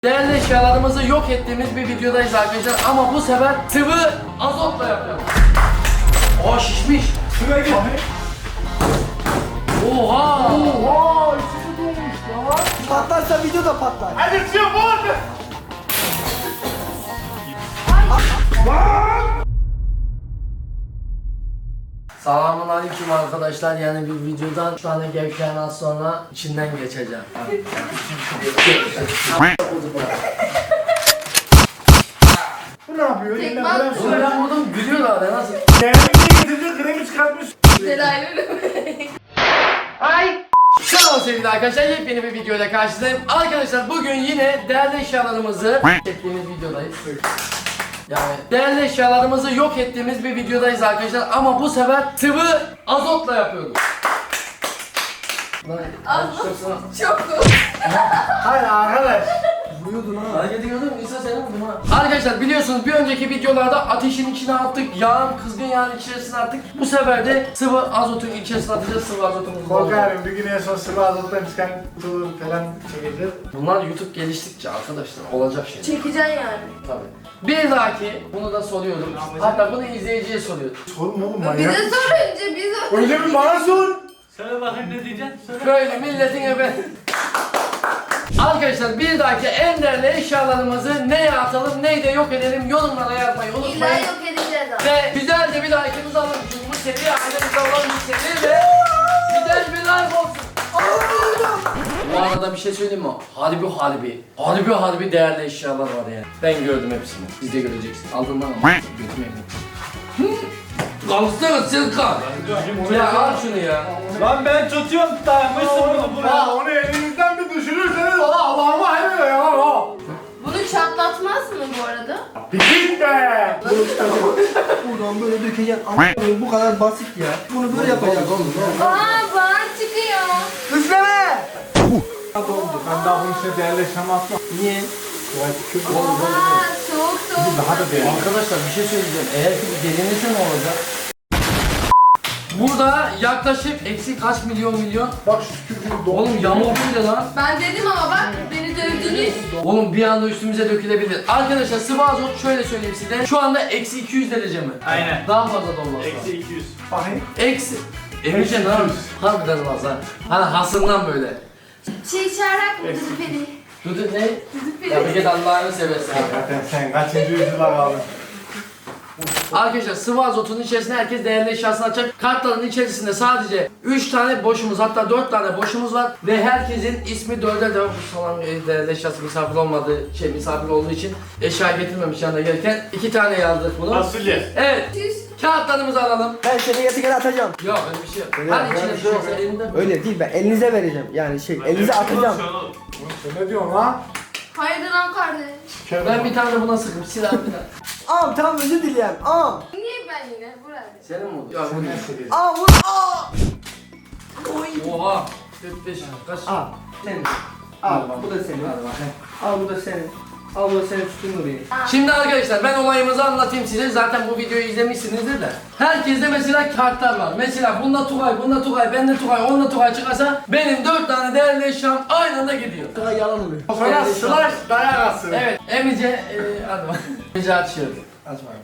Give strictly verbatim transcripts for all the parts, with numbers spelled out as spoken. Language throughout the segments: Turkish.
Değerli eşyalarımızı yok ettiğimiz bir videodayız arkadaşlar ama bu sefer sıvı azotla yapıyoruz. Oha şişmiş. Şuraya git. Oha. Oha içi dolmuş ya. Patlarsa video da patlar. Hadi çıkıyor bu arada. Selamun aleyküm arkadaşlar, yani bir videodan şu tane gevşeyen az sonra içinden geçeceğim. Bu ne yapıyor? Tekme Elinden attı. falan Oğlum ben buradan gülüyorlar ya, nasıl? Kendini getirdi, kremi çıkartmış. Delaylı Ay! Selam sevgili arkadaşlar, yepyeni bir videoyla karşınızdayım. Arkadaşlar bugün yine değerli eşyalarımızı ettiğimiz videodayız. Yani değerli eşyalarımızı yok ettiğimiz bir videodayız arkadaşlar ama bu sefer sıvı azotla yapıyoruz. Azot. Çok cool. Hayır arkadaş. Vuruyordun ha. Hareket ediyordum, İsa senin vurdum ha. Arkadaşlar biliyorsunuz bir önceki videolarda ateşin içine attık, yağın, kızgın yağın içerisine attık. Bu sefer de sıvı azotun içerisine atacağız, sıvı azotumuzu. Korkarım bir gün en son sıvı azottan çıkan kutuları falan çekeceğiz. Bunlar YouTube geliştikçe arkadaşlar olacak şey. Çekeceksin yani. Tabii. Bir dahaki bunu da soruyorum. Hatta bunu izleyiciye soruyorum. Sorma oğlum Bize manyak. sor önce biz Önce bir bana sor. Söyle bakayım ne diyeceksin? Söyle. Böyle milletin ebe. Arkadaşlar bir dahaki en değerli eşyalarımızı neye atalım, neyi de yok edelim yorumlara yazmayı İlla unutmayın. yok edeceğiz abi. Ve güzel de bir like'ınızı alın çünkü bu seri ailemizde olan bir seri ve güzel bir like olsun. Bu arada bir şey söyleyeyim mi? Harbi harbi, harbi harbi değerli eşyalar var yani. Ben gördüm hepsini. Siz de göreceksiniz. Aldın lan ama götürmeyin. Kalsana sen kal. Ya al şunu ya. Lan ben tutuyorum dayanmışsın bunu Ya buraya. onu elinizden bir düşürürseniz valla Allah'ıma hayır ya. ha. Bunu çatlatmaz mı bu arada? Bir git be. Buradan böyle dökeceksin. Ama bu kadar basit ya. Bunu böyle yapacaksın oğlum. Aa bağır çıkıyor. Üfleme! Ben daha bunun içine değerli yaşam atmam. Niye? Aa soğuk soğuk. Daha da değerli. Arkadaşlar bir şey söyleyeceğim. Eğer ki bir delinirse ne olacak? Burada yaklaşık eksi kaç milyon milyon. Bak şu tükürüğü dolu. Oğlum yamuk böyle lan. Ben dedim ama bak beni dövdünüz. Oğlum bir anda üstümüze dökülebilir. Arkadaşlar sıvı azot şöyle söyleyeyim size. Şu anda eksi iki yüz derece mi? Aynen. Daha fazla da olmaz. Eksi iki yüz. Bakayım. Eksi. Emirce ne yapıyorsun? Harbiden olmaz ha. Hani hasından böyle. Şey çağırak mı Dudu Peri? Dudu ne? Dudu Ya bir Peri. git Allah'ını seversen. Zaten sen kaçıncı yüzyıla kaldın? Arkadaşlar sıvı azotun içerisine herkes değerli eşyasını açacak. Kartların içerisinde sadece üç tane boşumuz, hatta dört tane boşumuz var ve herkesin ismi dörder de bu salon değerli eşyası misafir olmadığı şey misafir olduğu için eşya getirmemiş yanına gelirken iki tane yazdık bunu. Fasulye. Evet. Tüs. Kağıtlarımızı alalım. Ben seni getirken atacağım. Yok öyle bir şey yok. Öyle Hadi yok, içine öyle bir bir şey şey olsa yok. elinde. Öyle değil, ben elinize vereceğim. Yani şey, elinize atacağım. Sen ne diyorsun lan? Hayırdır lan kardeş? Ben bir tane de buna sıkıp silah bir tane. Ağam tamam özür dileyem. Ağam. Niye ben yine burada? Senin mi oldu? Yok bu değil. Ağam vur. Ağam. Oha. dört beş kaç? Al. Senin. Al bu da senin. Al bu da senin. Al bu da senin tutun orayı. Şimdi arkadaşlar ben olayımızı anlatayım size. Zaten bu videoyu izlemişsinizdir de. Herkeste mesela kartlar var. Mesela bunda Tugay, bunda Tugay, bende Tugay, onda Tugay çıkarsa benim dört tane değerli eşyam aynı anda gidiyor. Sana yalan oluyor. Sonra slash dayak atsın. Evet, Emice, e, hadi bak. Emice açıyor. Aç bakalım.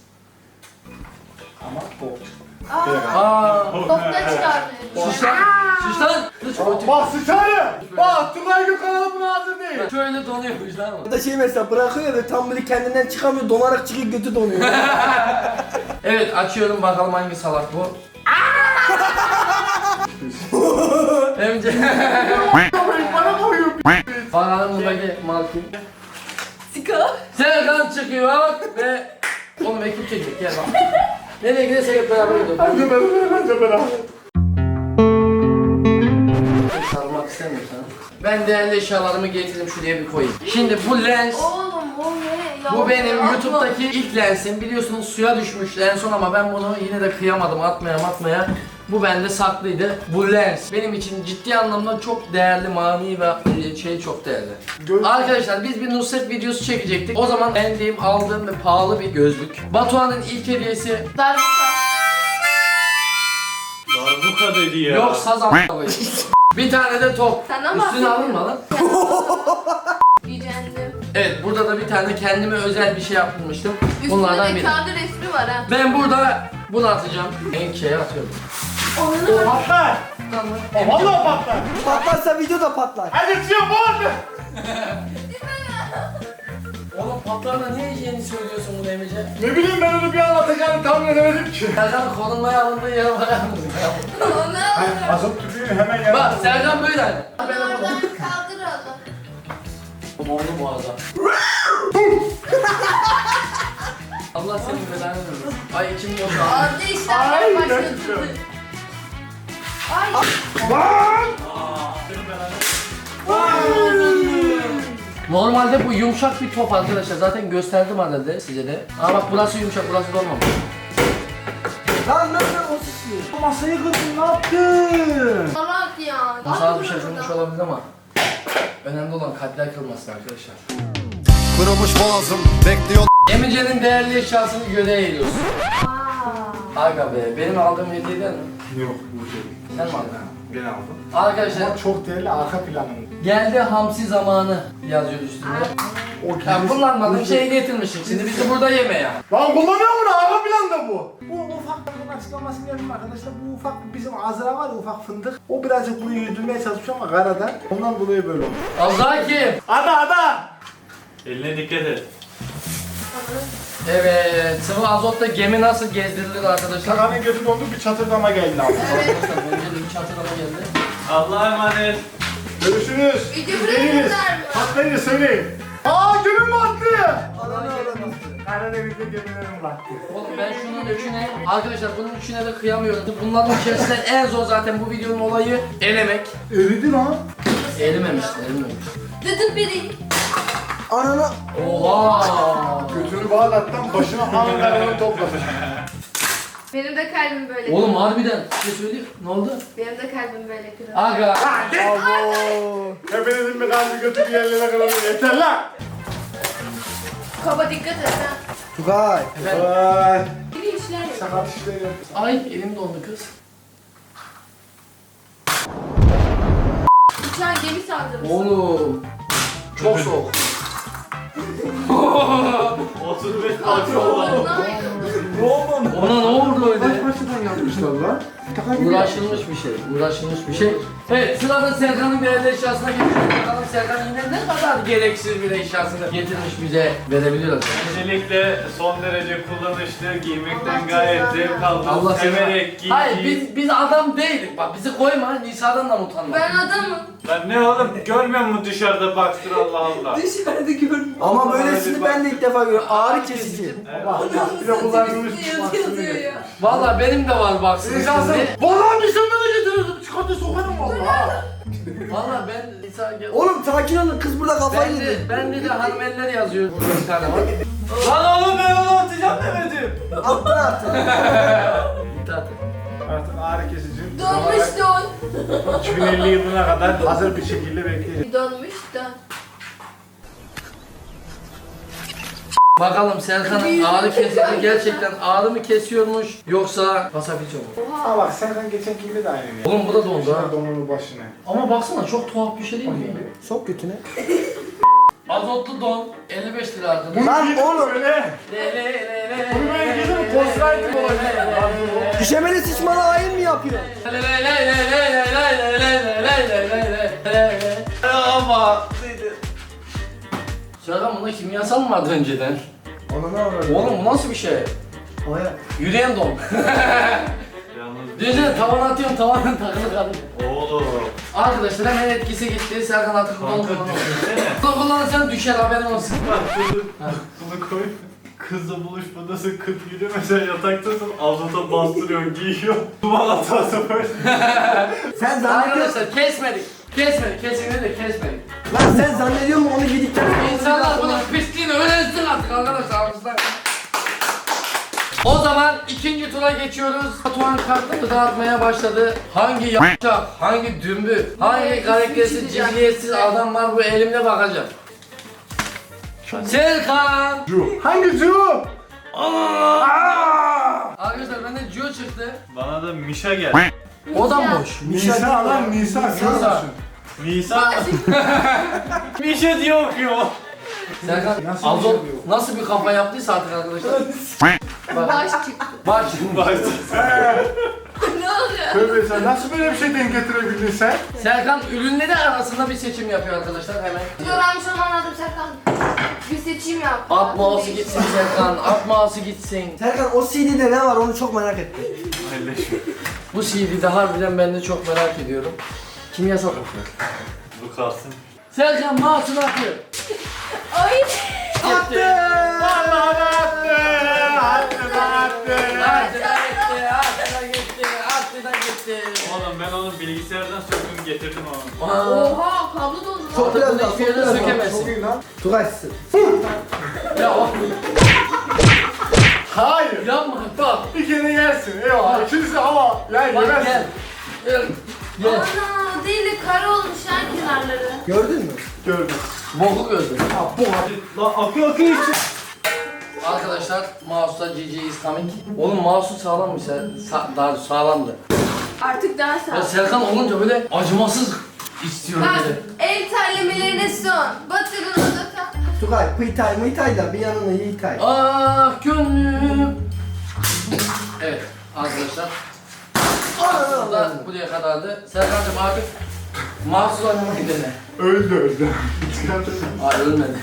Ama bu. Aa Aa, topla çıkarmıyor. şiş lan, şiş lan. Kız kötü. Bak sıçarı. Bak Tugay Gökhan'a buna hazır değil. Şöyle donuyormuş lan o. Bu da şey mesela bırakıyor ve tam böyle kendinden çıkamıyor, donarak çıkıyor, götü donuyor. Evet, açıyorum bakalım hangi salak bu. Emice. Bana koyuyor. Bakalım buradaki mal kim? Sika. Serkan çıkıyor ve oğlum ekip çekecek gel bak. Nereye gidersek hep beraber gidiyoruz. Hadi ben önce beraber. Sarmak istemiyorsan. Ben değerli eşyalarımı getirdim şuraya bir koyayım. Şimdi bu lens, Oğlum o ne? bu benim Yapma. YouTube'daki ilk lensim. Biliyorsunuz suya düşmüş en son ama ben bunu yine de kıyamadım atmaya atmaya. Bu bende saklıydı. Bu lens benim için ciddi anlamda çok değerli, manevi ve şey çok değerli. Göz- Arkadaşlar biz bir Nusret videosu çekecektik. O zaman beğendiğim, aldığım ve pahalı bir gözlük. Batuhan'ın ilk hediyesi Darbuka. Darbuka dedi ya. yok saz a**layım. Bir tane de top. Sen ama Üstüne alınma lan. gücendim. Evet, burada da bir tane kendime özel bir şey yapmıştım. Üstünde Bunlardan de biri. kendi resmi var ha. Ben burada bunu atacağım. En şeye atıyorum. Onu Patlar. Tamam. Vallahi patlar. Patlarsa video da patlar. Hadi çıkıyor bu arada. Oğlum patlarla niye yeni söylüyorsun bunu Emice? Ne bileyim ben onu bir an atacağını tahmin edemedim ki. Serkan korunmaya alındığı yere bakar mısın? Onu Hayır, azot tüpünü hemen yanına. Bak Serkan böyle hani. Oradan kaldıralım. Oldu bu arada. Allah senin belanı versin. Ay içim boşaldı. Aldı işlemler Ay, başladı. gerçekten. Ay. Lan! Normalde bu yumuşak bir top arkadaşlar. Zaten gösterdim herhalde size de. Ama bak burası yumuşak, burası dolmamış. Lan lan lan o sıçrıyor. Masayı kırdın, ne yaptın? Salak ya. Masa az bir şey şaşırmış olabilir ama önemli olan kalpler kırılmasın arkadaşlar. Kırılmış boğazım bekliyor. Emice'nin değerli eşyasını göreğe eğiliyoruz. Aa. Aga be, benim aldığım hediyeden mi? Yok bu şey. Sen mi aldın? Ben aldım. Arkadaşlar Ama çok değerli arka planım. geldi hamsi zamanı yazıyor üstünde. O Ya kullanmadığım şeyi getirmişim. Şimdi bizi burada yeme ya. Lan kullanıyor mu? Arka planda bu. Bu ufak bir açıklamasını yapayım arkadaşlar. Bu ufak bizim Azra var ya, ufak fındık. O birazcık bunu yüzdürmeye çalışıyor ama karadan. Ondan dolayı böyle oldu. Azra kim? Ada ada. Eline dikkat et. Evet, sıvı azotta gemi nasıl gezdirilir arkadaşlar? Şakanın götü dondu, bir çatırdama geldi abi. Arkadaşlar önce de bir çatırlama geldi. Allah'a emanet. Görüşürüz. Video Biz bırakırlar değiliz. mı? Patlayınca söyleyin. Aa gömüm battı. Allah'a emanet. Karadeniz'de gemilerim battı. Oğlum ben şunun üçüne, arkadaşlar bunun üçüne de kıyamıyorum. Bunların içerisinden en zor zaten bu videonun olayı elemek. Eridi lan. Erimemiş, erimemiş. Dıdı biri. Anana. Oha! Götünü bağlattım, başına Ankara'nı topladı. Benim de kalbim böyle. Oğlum harbiden bir şey söyleyeyim. Ne oldu? Benim de kalbim böyle kırıldı. Aga. Abo. Hepinizin bir kalbi götü bir yerlere kırılıyor. Yeter lan. Kaba dikkat et ha. Tugay. Efendim? Vay. Biri işler ya. Sakat işleri. Ay elim dondu kız. Uçağın gemi saldırısı. Oğlum. Çok soğuk. otuz beş parça oldu. Ona ne oldu öyle? Başından yapmışlar lan. Uğraşılmış bir şey, uğraşılmış bir şey. Evet, sırada Serkan'ın değerli eşyasına geçiyoruz. Bakalım Serkan yine ne kadar gereksiz bir eşyasını getirmiş bize verebiliyor acaba? Öncelikle son derece kullanışlı, giymekten Allah gayet cezanı zevk Allah aldım. seni... Severek giy. Hayır, giy. biz, biz adam değilik. Bak bizi koyma, Nisa'dan da utanma. Ben adamım. Lan ne oğlum görmüyor musun dışarıda baktır Allah Allah. Dışarıda görmüyorum. Ama böylesini ben de ilk defa görüyorum. Ağrı kesici. Bak bir de kullanılmış Yazıyor yazıyor ya. Valla benim de var baksın Nisa'sın. şimdi. Vallahi bir sen bana getirirdim. Çıkarttı sokarım valla. Valla ben Nisa gel. Oğlum sakin olun, kız burada kafayı Ben de, yedi. ben de, de hanım eller yazıyor. Burada bir tane var. Lan oğlum ben onu atacağım demedim. Attın attın. İtaat et. Artık ağrı kesici. Donmuş don. iki bin elli yılına kadar hazır bir şekilde bekleyeceğiz. Donmuş don. Bakalım Serkan'ın ağrı kesici gerçekten ağrı mı kesiyormuş yoksa pasafiço mu? Aa bak Serkan geçen kimde de aynı. Oğlum bu da dondu ha. Donunu başına. Ama baksana çok tuhaf bir şey değil mi ya? Sok götüne. Azotlu don elli beş lira ardından. Lan oğlum. Öyle. Bunu ben giydim, postaydım o. Düşemeli sıçmalı hain mi yapıyor? Ama Serkan bunda kimyasal mı vardı önceden? Ona ne var? Oğlum bu nasıl bir şey? Aya. Yürüyen don. Yalnız Düşünsene tavan atıyorsun tavanın takılı kalıyor. oğlum. Arkadaşlar hemen etkisi gitti. Serkan artık don Kanka kullanamıyor. düşünsene. Don kullanırsan düşer haberin olsun. Bak bunu, bunu koy. Kızla buluşmadasın, kız gidiyor mesela yataktasın, azota bastırıyorsun, giyiyor. Duman atası böyle. Sen zannediyorsun. Arkadaşlar kesmedik. Kesmedik. Kesinlikle kesmedik. Lan sen zannediyor musun onu giydikten sonra? İnsanlar bunun pisliğini öğrensin artık arkadaşlar. Aramızda. O zaman ikinci tura geçiyoruz. Batuhan kartları dağıtmaya başladı. Hangi yapacak, hangi dümbü, hangi karaktersiz, cibiliyetsiz adam var bu elimde bakacağım. Serkan! Hangi Cu? Arkadaşlar bende Gio çıktı. Bana da Mişa geldi. O da boş. Nisa lan Nisa. Nisa. Nisa. Nisan. Bir şey diyor okuyor. Serkan Nasıl Azot bir şey bu? nasıl bir kafa yaptıysa artık arkadaşlar. Bak, Baş çıktı. baş. Ne oluyor? Tövbe sen nasıl böyle bir şey denk getirebildin sen? Serkan ürünleri arasında bir seçim yapıyor arkadaşlar hemen. Dur ben şu an anladım Serkan. Bir seçim yap. At mouse'u gitsin Serkan, at mouse'u gitsin. Serkan o C D'de ne var onu çok merak ettim. Bu C D'de harbiden ben de çok merak ediyorum. Kimyasal kokuyor. Bu kalsın. Serkan mouse'unu atıyor. Ay. Attı! Vallahi attı! Attı da attı! Attı da gitti, attı da gitti, attı da gitti. Oğlum ben onun bilgisayardan söktüm getirdim onu. Aa, Oha kablo doldu lan. Çok biraz daha, hiçbir çok yerden biraz daha. sökemezsin. Çok iyi lan. Tugay sık. Ya o Hayır. yapma bak. Bir kere yersin. Eyvallah. İkincisi hava. Ya Bak yemezsin. gel. Gel. Gel. Ana değil de kare olmuş ha kenarları. Gördün mü? Gördüm. Boku gördüm. Ha bu hadi. Lan akıyor akıyor işte. Arkadaşlar mouse'da G G is coming. Oğlum mouse'un sağlammış ya. Sa daha sağlamdı. Artık daha Ya sağ. Serkan olunca böyle acımasız istiyorum Bak böyle. el terlemelerine son. Batırın odata. Tugay pıytay mıytay da bir yanına yiytay. Ah gönlüm. Evet arkadaşlar. Aslında buraya kadardı. Serkan'cığım artık mahsus oynamak dene. Öldü öldü. Çıkartın. Hayır ölmedi.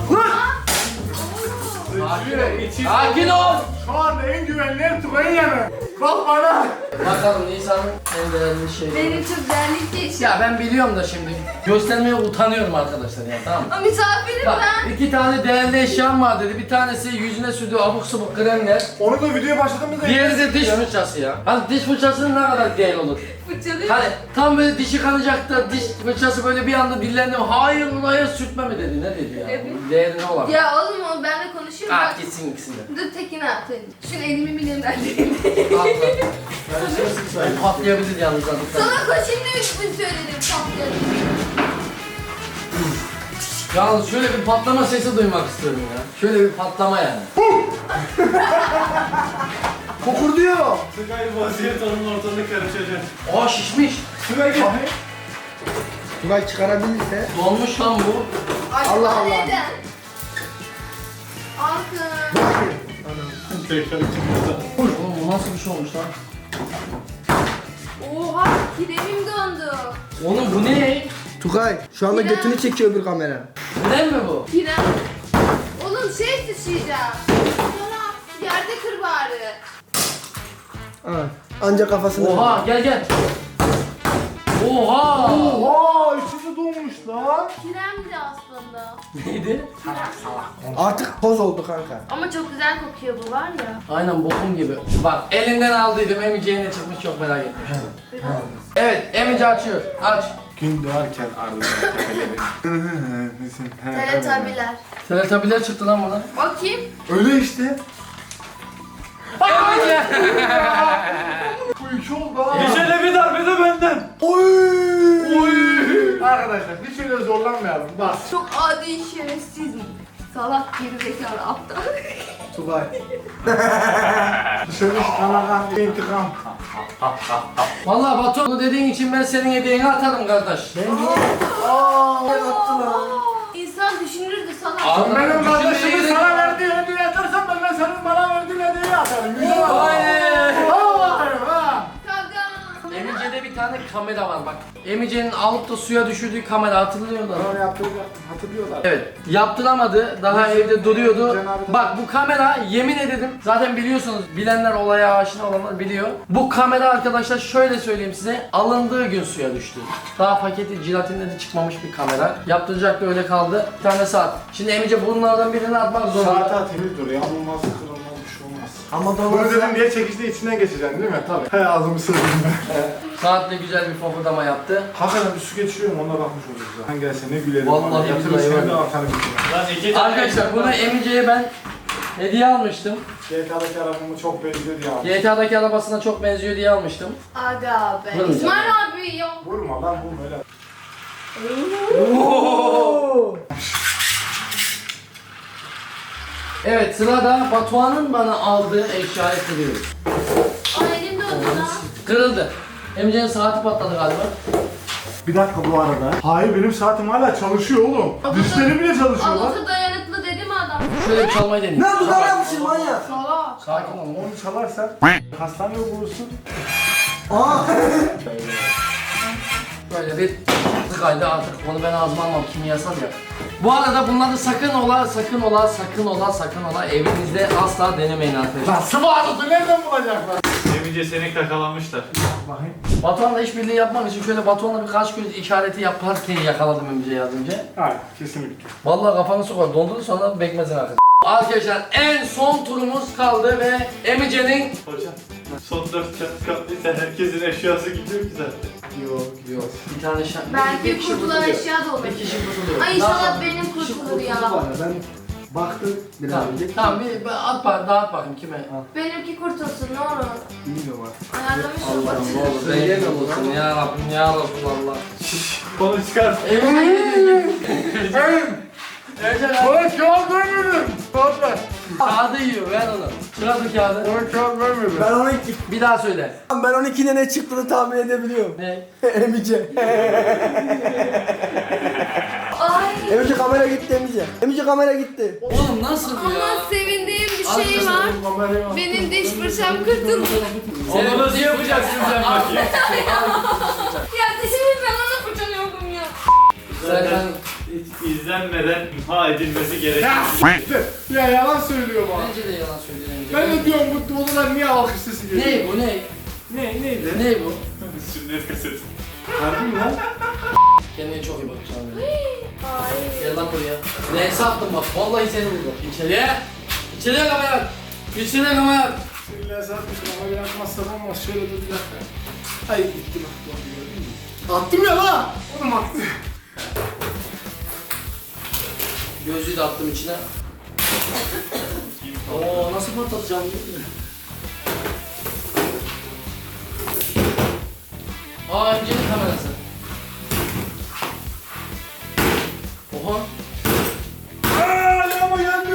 Sakin ol. Sakin ol. Şu anda en güvenli ev Tugay'ın yanı. Bak bana. Bakalım Nisan'ın en değerli şeyi. Benim çok değerli bir şey. Ya ben biliyorum da şimdi göstermeye utanıyorum arkadaşlar ya, tamam mı? Ama misafirim Bak ben. iki tane değerli eşyam var dedi. Bir tanesi yüzüne sürdüğü abuk sabuk kremler. Onu da videoya başladığımızda Diğeri de diş fırçası ya. Hani diş fırçasının ne kadar değerli olur? Fırçalıyor. Hani tam böyle dişi kanacak da diş fırçası böyle bir anda dillendi. Hayır ulan hayır sürtme mi dedi? Ne dedi ya? Evet. Değeri ne olabilir? Ya oğlum o benle konuşuyor. Ah Bak. gitsin ikisinde. Dur tekini at. Şunu elimi bilemden değil. Ben patlayabilir yalnız artık. Sana koşayım demek için söyledim patladı. Yalnız şöyle bir patlama sesi duymak istiyorum ya. Şöyle bir patlama yani. Kokurduyor. Tugay vaziyet onun ortalığı karışacak. Aa şişmiş. Tugay gel. Tugay çıkarabilirse. Donmuş lan bu. Acaba Allah Allah. neden? Altın. Tekrar çıkıyor. Oğlum bu nasıl bir şey olmuş lan? Oha kiremim dondu. Oğlum bu ne? Tugay şu anda Yine. götünü çekiyor bir kamera. Krem mi bu? Kirem. Oğlum şey sıçrayacağım. Sonra yerde kır bari. Ha. Anca kafasını. Oha gel gel. Oha. Oha içinde donmuş lan. Kiremdi aslında. Neydi? Artık toz oldu kanka. Ama çok güzel kokuyor bu var ya. Aynen bokum gibi. Bak elinden aldıydım Emice'ye ne çıkmış çok merak etmiştim. Evet Emice açıyor. Aç. Gün doğarken ardından tepeleri. Teletabiler. Teletabiler çıktı lan buna. Bakayım. Öyle işte. Emice. Bu iki oldu ha. Gecede bir darbe de benden. Oy. Oy. Arkadaşlar hiç öyle zorlanmayalım. Bas. Çok adi şerefsiz mi? Salak gerizekalı aptal. Tugay. Dışarı kanakan intikam. Vallahi Batu bunu dediğin için ben senin hediyeni atarım kardeş. Aaa attı lan. İnsan düşünürdü salak. Abi, Benim düşünmeyi kardeşimin de- sana verdiği hediye atarsan ben de senin bana verdiğin hediyeyi atarım. Güzel bak. Aynen. Vallahi ha. Kavga. Emice'de bir tane kamera var bak. Emice'nin alıp da suya düşürdüğü kamera hatırlıyor musun? Onu yaptıracaktım hatırlıyorlar. Evet, yaptıramadı. Daha evde duruyordu. Cenab-ı- Bak bu kamera yemin ederim zaten biliyorsunuz. Bilenler olaya aşina olanlar biliyor. Bu kamera arkadaşlar şöyle söyleyeyim size. Alındığı gün suya düştü. Daha paketi jelatinle de çıkmamış bir kamera. Yaptıracaktı öyle kaldı. Bir tane saat. Şimdi Emice bunlardan birini atmak Saat zorunda. temiz dur. Yağmurmaz, kırılmaz bir şey olmaz. Ama Bunu doğru. dedim diye çekişte içinden geçeceksin değil mi? Tabii. He ağzımı sırdım ben. Saatle güzel bir fofurdama yaptı. Hakikaten bir su geçiriyorum onunla bakmış oluruz ya. Sen gelse ne gülerim. Vallahi bana. Yatırır billahi seni de var. atarım içine. Lan iki tane. Arkadaşlar bunu Emice'ye ben hediye almıştım. G T A'daki arabamı çok benziyor ya. G T A'daki arabasına çok benziyor diye almıştım. Aga be. Vurun İsmail abi ya. Vurma lan vurma öyle. Evet sırada Batuhan'ın bana aldığı eşyayı kırıyoruz. Ay elim dondu lan. Kırıldı. Emice'nin saati patladı galiba. Bir dakika bu arada. Hayır benim saatim hala çalışıyor oğlum. Dişleri bile çalışıyor lan. Avluta dayanıklı dedi mi adam? Şöyle bir çalmayı deneyim. Ne dudağına yapmışsın manyak? Salak. Sakin ol. Onu çalarsan hastaneye bulursun. Aa. Böyle bir tıkaydı artık onu ben ağzıma almam kimyasal ya. Bu arada bunları sakın ola, sakın ola, sakın ola, sakın ola evinizde asla denemeyin arkadaşlar. Lan sıvı azotu nereden bulacaklar? Emice seni kakalamışlar. Bakayım. Batuhan'la işbirliği yapmak için şöyle Batuhan'la birkaç göz işareti yaparken yakaladım Emice'yi az önce. Hayır kesinlikle. Vallahi kafanı sokar dondurdu sonra bekmezin arkadaşlar. Arkadaşlar en son turumuz kaldı ve Emice'nin... Hocam son dört kat katlıysa herkesin eşyası gidiyor ki zaten. Yok yok. Bir tane şan... Belki kişi kurtulan kurtuluyor. eşya da olur. Bir kişi kurtuluyor. Ay Daha inşallah sonra- benim kurtulur ya. Ben baktım biraz Tamam, önce. tamam bir, bir at bak, dağıt bakayım kime? Benimki kurtulsun ne olur. Bilmiyorum artık. Ayarlamış Allah'ım olmasın. ne olur benim olsun ya Rabbim ya Resulallah. Konu çıkar. Emice gidiyor. Emice Bana kağıt vermedin. Kağıt ver. kağıdı yiyor ver onu. Çıkar bu kağıdı. Bana kağıt vermedin. Ben on iki, Bir daha söyle. ben on ikide ne çıktığını tahmin edebiliyorum. Ne? Emice. Ay. Emice kamera gitti Emice. Emice kamera gitti. Oğlum nasıl bu ya? Ama sevindiğim bir şey Arkadaşlar, var. Benim kamerayı al. Benim diş fırçam kurtuldu. Onu nasıl yapacaksın sen bakayım? Ya dişimi ben ona fırçalıyordum ya. Zaten hiç izlenmeden imha edilmesi gerekiyor. Ya yalan söylüyor bana. Bence de yalan söylüyor Emice. Ben de diyorum bu odalar niye alkış sesi geliyor? Ne bu ne? Ne neydi? Ne bu? Sünnet kaseti. Harbi mi lan? Kendine çok iyi bak canım. Ay. Gel lan buraya. Ne sattın bak vallahi seni buldum. İçeriye. İçeriye kamera. İçeriye kamera. İlla satmış ama yapmazsan olmaz. Şöyle dur bir dakika. Ay gitti bak. doğru gördün mü? Attım ya la. Oğlum attı. Gözlüğü de attım içine. Oo nasıl patlatacağım? Aa Emice'nin kamerası. Oha. Aaa lama geldi.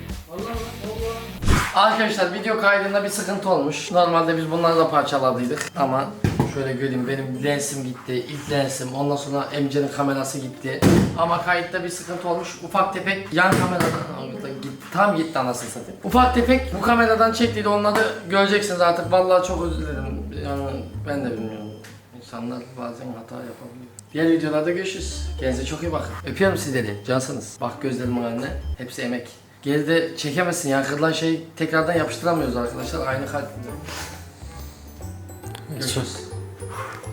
Arkadaşlar video kaydında bir sıkıntı olmuş. Normalde biz bunları da parçaladıydık ama şöyle göreyim benim lensim gitti, ilk lensim, ondan sonra Emice'nin kamerası gitti. Ama kayıtta bir sıkıntı olmuş. Ufak tefek yan kameradan gitti, tam gitti anasını satayım. Ufak tefek bu kameradan çektiydi onları göreceksiniz artık. Vallahi çok özür dilerim. Yani ben de bilmiyorum. İnsanlar bazen hata yapabiliyor. Diğer videolarda görüşürüz. Kendinize çok iyi bakın. Öpüyorum sizleri. Cansınız. Bak gözlerimin önüne. Hepsi emek. Geride çekemezsin ya. Kırılan şey tekrardan yapıştıramıyoruz arkadaşlar. Aynı kalp. Görüşürüz.